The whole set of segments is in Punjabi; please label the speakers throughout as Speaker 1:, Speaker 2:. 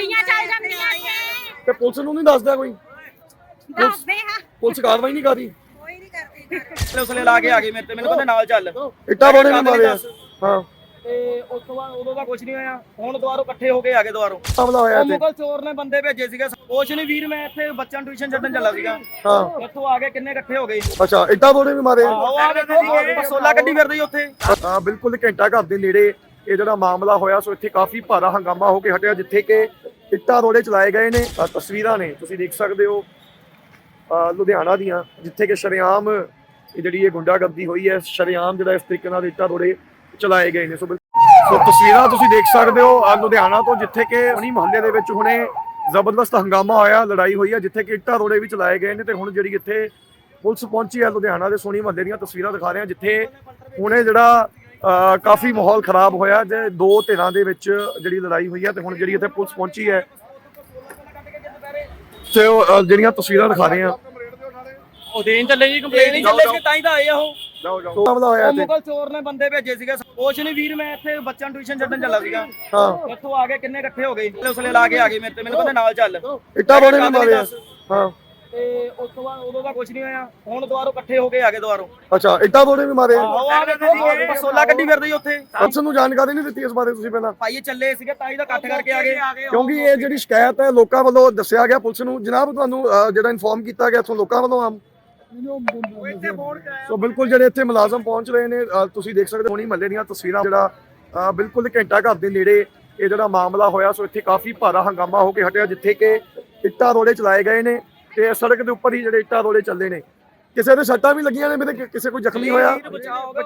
Speaker 1: ਗੋਲੀਆਂ ਚੱਲ ਜਾਂਦੀਆਂ ਨੇ
Speaker 2: ਤੇ ਪੁਲਿਸ ਨੂੰ ਨਹੀਂ ਦੱਸਦਾ ਕੋਈ?
Speaker 1: ਦੱਸਦੇ ਹਾਂ
Speaker 2: ਪੁਲਿਸ ਕਾਰਵਾਈ ਨਹੀਂ ਕਰਦੀ?
Speaker 1: ਕੋਈ ਨਹੀਂ ਕਰਦੀ
Speaker 3: ਉਸਲੇ ਲਾ ਕੇ ਆ ਗਏ ਮੇਰੇ ਤੇ, ਮੈਨੂੰ ਕਹਿੰਦੇ ਨਾਲ ਚੱਲ।
Speaker 2: ਇੱਟਾਂ ਬੋੜੇ ਵੀ ਮਾਰੇ ਆ। ਹਾਂ
Speaker 3: ਤੇ ਉਸ ਤੋਂ ਬਾਅਦ ਉਦੋਂ ਦਾ ਕੁਝ ਨਹੀਂ ਹੋਇਆ। ਹੁਣ ਦੁਬਾਰਾ ਇਕੱਠੇ ਹੋ ਕੇ ਆ ਗਏ ਦੁਬਾਰਾ।
Speaker 2: ਹਮਲਾ ਹੋਇਆ
Speaker 3: ਉਹ
Speaker 2: ਇੱਥੇ?
Speaker 3: ਮੁਗਲ ਚੋਰ ਨੇ ਬੰਦੇ ਭੇਜੇ ਸੀਗੇ। ਕੁਛ ਨਹੀਂ ਵੀਰ, ਮੈਂ ਇੱਥੇ ਬੱਚਿਆਂ ਨੂੰ ਟਿਊਸ਼ਨ ਛੱਡਣ ਚੱਲਾ ਸੀਗਾ।
Speaker 2: ਹਾਂ
Speaker 3: ਇੱਥੋਂ ਆ ਕੇ ਕਿੰਨੇ ਇਕੱਠੇ ਹੋ ਗਏ।
Speaker 2: ਅੱਛਾ, ਇੱਟਾਂ ਬੋੜੇ ਵੀ ਮਾਰੇ ਆ?
Speaker 3: ਆਹੋ ਆ ਦੇਖੋ ਪਸੋਲਾ ਗੱਡੀ ਫਿਰਦੀ ਉੱਥੇ।
Speaker 2: ਹਾਂ ਬਿਲਕੁਲ ਘੰਟਾ ਘਰ ਦੇ ਨੇੜੇ ਇਹ ਜਿਹੜਾ ਮਾਮਲਾ ਹੋਇਆ, ਸੋ ਇੱਥੇ ਕਾਫੀ ਭਾਰਾ ਹੰਗਾਮਾ ਹੋ ਕੇ ਹਟਿਆ, ਜਿੱਥੇ ਕਿ ਇੱਟਾਂ ਰੋੜੇ ਚਲਾਏ ਗਏ ਨੇ। ਤਸਵੀਰਾਂ ਨੇ, ਤੁਸੀਂ ਦੇਖ ਸਕਦੇ ਹੋ ਲੁਧਿਆਣਾ ਦੀਆਂ, ਜਿੱਥੇ ਕਿ ਸ਼ਰੇਆਮ ਜਿਹੜੀ ਇਹ ਗੁੰਡਾਗਰਦੀ ਹੋਈ ਹੈ, ਸ਼ਰੇਆਮ ਜਿਹੜਾ ਇਸ ਤਰੀਕੇ ਨਾਲ ਇੱਟਾਂ ਰੋੜੇ ਚਲਾਏ ਗਏ ਨੇ। ਸੋ ਤਸਵੀਰਾਂ ਤੁਸੀਂ ਦੇਖ ਸਕਦੇ ਹੋ ਲੁਧਿਆਣਾ ਤੋਂ, ਜਿੱਥੇ ਕਿ ਉਨੀ ਮੁਹੱਲੇ ਦੇ ਵਿੱਚ ਹੁਣੇ ਜ਼ਬਰਦਸਤ ਹੰਗਾਮਾ ਹੋਇਆ, ਲੜਾਈ ਹੋਈ ਹੈ, ਜਿੱਥੇ ਕਿ ਇੱਟਾਂ ਰੋੜੇ ਵੀ ਚਲਾਏ ਗਏ ਨੇ। ਤੇ ਹੁਣ ਜਿਹੜੀ ਇੱਥੇ ਪੁਲਿਸ ਪਹੁੰਚੀ ਹੈ ਲੁਧਿਆਣਾ ਦੇ ਸੋਨੀ ਮੁਹੱਲੇ ਦੀਆਂ ਤਸਵੀਰਾਂ ਦਿਖਾ ਰਹੇ ਹਾਂ, ਜਿੱਥੇ ਹੁਣੇ ਜਿਹੜਾ ਕਾਫੀ ਮਾਹੌਲ ਖਰਾਬ ਹੋਇਆ, ਜੇ ਦੋ ਧਿਰਾਂ ਦੇ ਵਿੱਚ ਜਿਹੜੀ ਲੜਾਈ ਹੋਈ ਹੈ। ਤੇ ਹੁਣ ਜਿਹੜੀ ਇੱਥੇ ਪੁਲਿਸ ਪਹੁੰਚੀ ਹੈ ਤੇ ਉਹ ਜਿਹੜੀਆਂ ਤਸਵੀਰਾਂ ਦਿਖਾ ਰਹੇ ਹਾਂ।
Speaker 3: ਉਹ ਦੇਣ ਚੱਲੇ ਜੀ, ਕੰਪਲੇਂਟ ਨਹੀਂ ਚੱਲੇ ਸੀ ਤਾਂ ਹੀ ਤਾਂ ਆਏ ਆ ਉਹ।
Speaker 2: ਹਮਲਾ ਹੋਇਆ
Speaker 3: ਉਹ
Speaker 2: ਇੱਥੇ?
Speaker 3: ਮੁਗਲ ਚੋਰ ਨੇ ਬੰਦੇ ਭੇਜੇ ਸੀਗੇ। ਕੁਛ ਨਹੀਂ ਵੀਰ, ਮੈਂ ਇੱਥੇ ਬੱਚਿਆਂ ਨੂੰ ਟਿਊਸ਼ਨ ਛੱਡਣ ਚੱਲਾ ਸੀਗਾ।
Speaker 2: ਹਾਂ
Speaker 3: ਇੱਥੋਂ ਆ ਕੇ ਕਿੰਨੇ ਇਕੱਠੇ ਹੋ ਗਏ। ਉਸਲੇ ਲਾ ਕੇ ਆ ਗਏ ਮੇਰੇ ਤੇ, ਮੈਨੂੰ ਕਹਿੰਦੇ ਨਾਲ ਚੱਲ।
Speaker 2: ਇੱਟਾਂ ਬੋੜੇ ਵੀ ਮਾਰੇ ਆ? ਹਾਂ
Speaker 3: ਤੇ ਉਸ ਤੋਂ ਬਾਅਦ ਉਦੋਂ ਦਾ ਕੁਝ ਨਹੀਂ ਹੋਇਆ। ਹੁਣ ਦੁਬਾਰਾ ਇਕੱਠੇ ਹੋ ਕੇ ਆ ਗਏ ਦੁਬਾਰਾ।
Speaker 2: ਅੱਛਾ, ਇੱਟਾਂ ਬੋੜੇ ਵੀ ਮਾਰੇ ਆ?
Speaker 3: ਆਹੋ ਆ ਦੇਖੋ ਪਸੋਲਾ ਗੱਡੀ ਫਿਰਦੀ ਉੱਥੇ।
Speaker 2: ਪੁਲਿਸ ਨੂੰ ਜਾਣਕਾਰੀ ਨਹੀਂ ਦਿੱਤੀ ਇਸ ਬਾਰੇ ਤੁਸੀਂ ਪਹਿਲਾਂ?
Speaker 3: ਭਾਈ ਇਹ ਚੱਲੇ ਸੀਗੇ ਤਾਂ ਹੀ ਤਾਂ ਇਕੱਠ ਕਰਕੇ ਆ ਗਏ।
Speaker 2: ਕਿਉਂਕਿ ਇਹ ਜਿਹੜੀ ਸ਼ਿਕਾਇਤ ਹੈ ਲੋਕਾਂ ਵੱਲੋਂ ਦੱਸਿਆ ਗਿਆ ਪੁਲਿਸ ਨੂੰ, ਜਨਾਬ ਤੁਹਾਨੂੰ ਜਿਹੜਾ ਇਨਫੋਰਮ ਕੀਤਾ ਗਿਆ ਇੱਥੋਂ ਲੋਕਾਂ ਵੱਲੋਂ ਆਮ। ਸੋ ਬਿਲਕੁਲ ਜਿਹੜੇ ਇੱਥੇ ਮੁਲਾਜ਼ਮ ਪਹੁੰਚ ਰਹੇ ਨੇ, ਤੁਸੀਂ ਦੇਖ ਸਕਦੇ ਹੋ ਹੋਣੀ ਮਹੱਲੇ ਦੀਆਂ ਤਸਵੀਰਾਂ, ਜਿਹੜਾ ਬਿਲਕੁਲ ਘੰਟਾ ਘਰ ਦੇ ਨੇੜੇ ਇਹ ਜਿਹੜਾ ਮਾਮਲਾ ਹੋਇਆ, ਸੋ ਇੱਥੇ ਕਾਫੀ ਭਾਰਾ ਹੰਗਾਮਾ ਹੋ ਕੇ ਹਟਿਆ, ਜਿੱਥੇ ਕਿ ਇੱਟਾਂ ਰੋੜੇ ਚਲਾਏ ਗਏ ਨੇ। ਤੇ ਸੜਕ ਦੇ ਉੱਪਰ ਹੀ ਜਿਹੜੇ ਇੱਟਾਂ ਰੋੜੇ ਚੱਲਦੇ ਨੇ, ਕਿਸੇ ਦੇ ਸੱਟਾਂ ਵੀ ਲੱਗੀਆਂ ਨੇ, ਮੇਰੇ ਕਿਸੇ ਕੋਈ ਜ਼ਖਮੀ ਹੋਇਆ?
Speaker 3: ਬਚਾਅ ਹੋ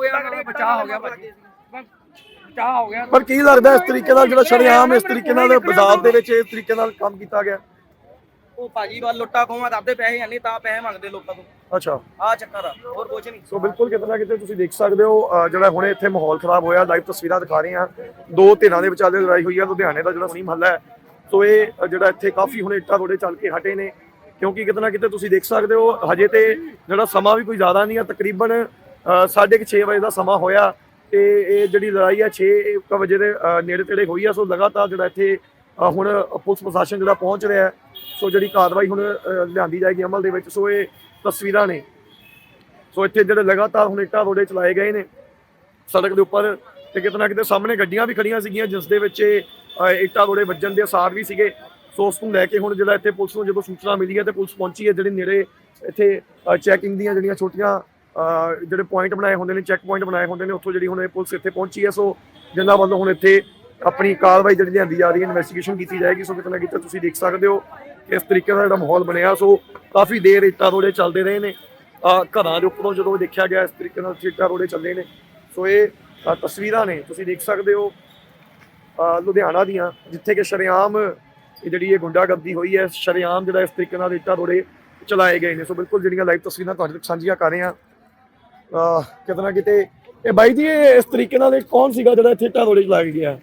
Speaker 3: ਗਿਆ।
Speaker 2: ਪਰ ਕੀ ਲੱਗਦਾ ਇਸ ਤਰੀਕੇ ਨਾਲ ਜਿਹੜਾ ਸ਼ਰੇਆਮ ਇਸ ਤਰੀਕੇ ਨਾਲ ਬਾਜ਼ਾਰ ਦੇ ਵਿੱਚ ਇਸ ਤਰੀਕੇ ਨਾਲ ਕੰਮ ਕੀਤਾ ਗਿਆ?
Speaker 3: ਉਹ ਭਾਜੀ ਵੱਲ ਲੁੱਟਾ ਖੋਹਾਂ ਕਰਦੇ, ਪੈਸੇ ਨਹੀਂ ਤਾਂ ਪੈਸੇ ਮੰਗਦੇ ਲੋਕਾਂ ਤੋਂ।
Speaker 2: ਅੱਛਾ,
Speaker 3: ਆ ਚੱਕਰ ਆ, ਹੋਰ ਕੁਝ ਨਹੀਂ।
Speaker 2: ਸੋ ਬਿਲਕੁਲ ਕਿਤੇ ਨਾ ਕਿਤੇ ਤੁਸੀਂ ਦੇਖ ਸਕਦੇ ਹੋ ਜਿਹੜਾ ਹੁਣੇ ਇੱਥੇ ਮਾਹੌਲ ਖਰਾਬ ਹੋਇਆ, ਲਾਈਵ ਤਸਵੀਰਾਂ ਦਿਖਾ ਰਹੇ ਹਾਂ। ਦੋ ਧਿਰਾਂ ਦੇ ਵਿਚਾਲੇ ਲੜਾਈ ਹੋਈ ਹੈ ਲੁਧਿਆਣੇ ਦਾ ਜਿਹੜਾ ਸੋਨੀ ਮੁਹੱਲਾ ਹੈ। ਸੋ ਇਹ ਜਿਹੜਾ ਇੱਥੇ ਕਾਫੀ ਹੁਣੇ ਇੱਟਾਂ ਰੋੜੇ ਚੱਲ ਕੇ ਹਟੇ ਨੇ, ਕਿਉਂਕਿ ਕਿਤੇ ਨਾ ਕਿਤੇ ਤੁਸੀਂ ਦੇਖ ਸਕਦੇ ਹੋ ਹਜੇ ਤੇ ਜਿਹੜਾ ਸਮਾਂ ਵੀ ਕੋਈ ਜ਼ਿਆਦਾ ਨਹੀਂ ਹੈ, ਤਕਰੀਬਨ 6:30 ਵਜੇ ਦਾ ਸਮਾਂ ਹੋਇਆ। ਤੇ ਇਹ ਜਿਹੜੀ ਲੜਾਈ ਹੈ 6 ਵਜੇ ਦੇ ਨੇੜੇ ਤੇੜੇ ਹੋਈ ਹੈ। ਸੋ ਲਗਾਤਾਰ ਜਿਹੜਾ ਇੱਥੇ ਹੁਣ ਪੁਲਿਸ ਪ੍ਰਸ਼ਾਸਨ ਜਿਹੜਾ ਪਹੁੰਚ ਰਿਹਾ ਹੈ, ਸੋ ਜਿਹੜੀ ਕਾਰਵਾਈ ਹੁਣ ਲਿਆਂਦੀ ਜਾਏਗੀ ਅਮਲ ਦੇ ਵਿੱਚ। ਸੋ ਇਹ ਤਸਵੀਰਾਂ ਨੇ, ਸੋ ਇੱਥੇ ਜਿਹੜੇ ਲਗਾਤਾਰ ਹੁਣ ਇੱਟਾਂ ਰੋੜੇ ਚਲਾਏ ਗਏ ਨੇ ਸੜਕ ਦੇ ਉੱਪਰ। ਤੇ ਕਿਤੇ ਨਾ ਕਿਤੇ ਸਾਹਮਣੇ ਗੱਡੀਆਂ ਵੀ ਖੜੀਆਂ ਸੀਗੀਆਂ, ਜਿਸ ਦੇ ਵਿੱਚ ਇੱਟਾਂ ਰੋੜੇ ਵੱਜਣ ਦੇ ਅਸਾਰ ਵੀ ਸੀਗੇ। ਸੋ ਉਸ ਨੂੰ ਲੈ ਕੇ ਹੁਣ ਜਿਹੜਾ ਇੱਥੇ ਪੁਲਿਸ ਨੂੰ ਜਦੋਂ ਸੂਚਨਾ ਮਿਲੀ ਹੈ ਤੇ ਪੁਲਿਸ ਪਹੁੰਚੀ ਹੈ। ਜਿਹੜੇ ਨੇੜੇ ਇੱਥੇ ਚੈਕਿੰਗ ਦੀਆਂ ਜਿਹੜੀਆਂ ਛੋਟੀਆਂ ਜਿਹੜੇ ਪੁਆਇੰਟ ਬਣਾਏ ਹੁੰਦੇ ਨੇ, ਚੈੱਕ ਪੁਆਇੰਟ ਬਣਾਏ ਹੁੰਦੇ ਨੇ, ਉੱਥੋਂ ਜਿਹੜੀ ਹੁਣ ਇਹ ਪੁਲਿਸ ਇੱਥੇ ਪਹੁੰਚੀ ਹੈ। ਸੋ ਜਿਨ੍ਹਾਂ ਵੱਲੋਂ ਹੁਣ ਇੱਥੇ ਆਪਣੀ ਕਾਰਵਾਈ ਜਿਹੜੀ ਲਿਆਂਦੀ ਜਾ ਰਹੀ ਹੈ, ਇਨਵੈਸਟੀਗੇਸ਼ਨ ਕੀਤੀ ਜਾਏਗੀ। ਸੋ ਕਿਤੇ ਨਾ ਕਿਤੇ ਤੁਸੀਂ ਦੇਖ ਸਕਦੇ ਹੋ ਇਸ ਤਰੀਕੇ ਦਾ ਜਿਹੜਾ ਮਾਹੌਲ ਬਣਿਆ। ਸੋ ਕਾਫੀ ਦੇਰ ਇੱਟਾਂ ਰੋੜੇ ਚੱਲਦੇ ਰਹੇ ਨੇ ਘਰਾਂ ਦੇ ਉੱਪਰੋਂ, ਜਦੋਂ ਦੇਖਿਆ ਗਿਆ ਇਸ ਤਰੀਕੇ ਨਾਲ ਇੱਟਾਂ ਰੋੜੇ ਚੱਲੇ ਨੇ। ਸੋ ਇਹ ਤਸਵੀਰਾਂ ਨੇ, ਤੁਸੀਂ ਦੇਖ ਸਕਦੇ ਹੋ ਲੁਧਿਆਣਾ ਦੀਆਂ, ਜਿੱਥੇ ਕਿ ਸ਼ਰੇਆਮ ਜਿਹੜੀ ਇਹ ਗੁੰਡਾਗਰਦੀ ਹੋਈ ਹੈ, ਸ਼ਰੇਆਮ ਜਿਹੜਾ ਇਸ ਤਰੀਕੇ ਨਾਲ ਇੱਟਾਂ ਰੋੜੇ ਚਲਾਏ ਗਏ ਨੇ। ਸੋ ਬਿਲਕੁਲ ਜਿਹੜੀਆਂ ਲਾਈਵ ਤਸਵੀਰਾਂ ਤੁਹਾਡੇ ਤੱਕ ਸਾਂਝੀਆਂ ਕਰ ਰਹੇ ਹਾਂ। ਕਿਤੇ ਨਾ ਕਿਤੇ ਇਹ ਬਾਈ ਜੀ ਇਸ ਤਰੀਕੇ ਨਾਲ ਕੌਣ ਸੀਗਾ ਜਿਹੜਾ ਇੱਥੇ ਇੱਟਾਂ ਰੋੜੇ ਚਲਾ ਕੇ ਗਿਆ?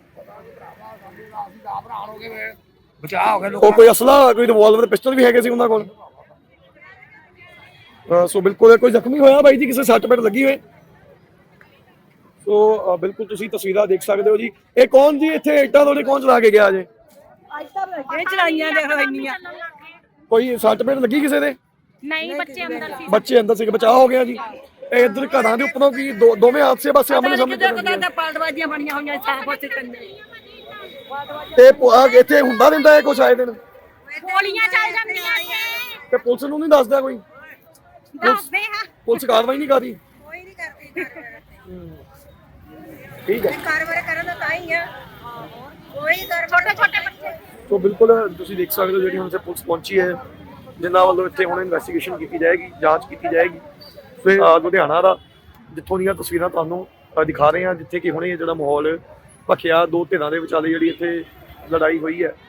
Speaker 3: ਬਚਾਅ ਹੋ ਗਿਆ।
Speaker 2: ਉਹ ਕੋਈ ਅਸਲਾ, ਕੋਈ ਰਿਵਾਲਵਰ, ਪਿਸਟਲ ਵੀ ਹੈਗੇ ਸੀ ਉਹਨਾਂ ਕੋਲ? ਸੋ ਬਿਲਕੁਲ ਕੋਈ ਜ਼ਖਮੀ ਹੋਇਆ ਬਾਈ ਜੀ, ਕਿਸੇ ਸੱਟ ਪੇਟ ਲੱਗੀ ਹੋਏ? ਸੋ ਬਿਲਕੁਲ ਤੁਸੀਂ ਤਸਵੀਰਾਂ ਦੇਖ ਸਕਦੇ ਹੋ ਜੀ। ਇਹ ਕੌਣ ਜੀ ਇੱਥੇ ਇੱਟਾਂ ਰੋੜੇ ਕੌਣ ਚਲਾ ਕੇ ਗਿਆ ਜੇ?
Speaker 1: ਇਹ ਚਲਾਈਆਂ ਦੇਖੋ ਇੰਨੀਆਂ।
Speaker 2: ਕੋਈ ਸੱਟ ਪੇਟ ਲੱਗੀ ਕਿਸੇ ਦੇ?
Speaker 1: ਨਹੀਂ, ਬੱਚੇ ਅੰਦਰ ਸੀ।
Speaker 2: ਬੱਚੇ ਅੰਦਰ ਸੀ, ਬਚਾਅ ਹੋ ਗਿਆ ਜੀ। ਇਹ ਇੱਧਰ ਘਰਾਂ ਦੇ ਉੱਪਰੋਂ ਕੀ ਦੋਵੇਂ ਹਾਦਸੇ ਬਸ ਆਮਣੇ ਸਾਹਮਣੇ
Speaker 1: ਪਾਲਟਬਾਜ਼ੀਆਂ ਬਣੀਆਂ ਹੋਈਆਂ ਸਾਫ ਉੱਥੇ ਕੰਨੇ।
Speaker 2: ਤੇ ਇੱਥੇ ਹੁੰਦਾ ਰਹਿੰਦਾ ਹੈ ਕੁਛ ਆਏ ਦਿਨ?
Speaker 1: ਗੋਲੀਆਂ ਚੱਲ ਜਾਂਦੀਆਂ ਨੇ
Speaker 2: ਤੇ ਪੁਲਿਸ ਨੂੰ ਨਹੀਂ ਦੱਸਦਾ ਕੋਈ?
Speaker 1: ਦੱਸਦੇ ਹਾਂ
Speaker 2: ਪੁਲਿਸ ਕਾਰਵਾਈ ਨਹੀਂ ਕਰਦੀ?
Speaker 1: ਕੋਈ ਨਹੀਂ ਕਰਦੀ।
Speaker 2: ਠੀਕ ਹੈ,
Speaker 1: ਕਾਰਵਾਈ ਕਰਨ ਦਾ ਤਾਂ ਹੀ ਆ, ਕੋਈ ਛੋਟੇ ਛੋਟੇ ਬੱਚੇ।
Speaker 2: ਸੋ ਬਿਲਕੁਲ ਤੁਸੀਂ ਦੇਖ ਸਕਦੇ ਹੋ ਜਿਹੜੀ ਹੁਣ ਇੱਥੇ ਪੁਲਿਸ ਪਹੁੰਚੀ ਹੈ, ਜਿਨ੍ਹਾਂ ਵੱਲੋਂ ਇੱਥੇ ਹੁਣ ਇਨਵੈਸਟੀਗੇਸ਼ਨ ਕੀਤੀ ਜਾਏਗੀ, ਜਾਂਚ ਕੀਤੀ ਜਾਏਗੀ। ਤੇ ਲੁਧਿਆਣਾ ਦਾ ਜਿੱਥੋਂ ਦੀਆਂ ਤਸਵੀਰਾਂ ਤੁਹਾਨੂੰ ਦਿਖਾ ਰਹੇ ਹਾਂ, ਜਿੱਥੇ ਕਿ ਹੁਣੇ ਜਿਹੜਾ ਮਾਹੌਲ ਭਖਿਆ, ਦੋ ਧਿਰਾਂ ਦੇ ਵਿਚਾਲੇ ਜਿਹੜੀ ਇੱਥੇ ਲੜਾਈ ਹੋਈ ਹੈ।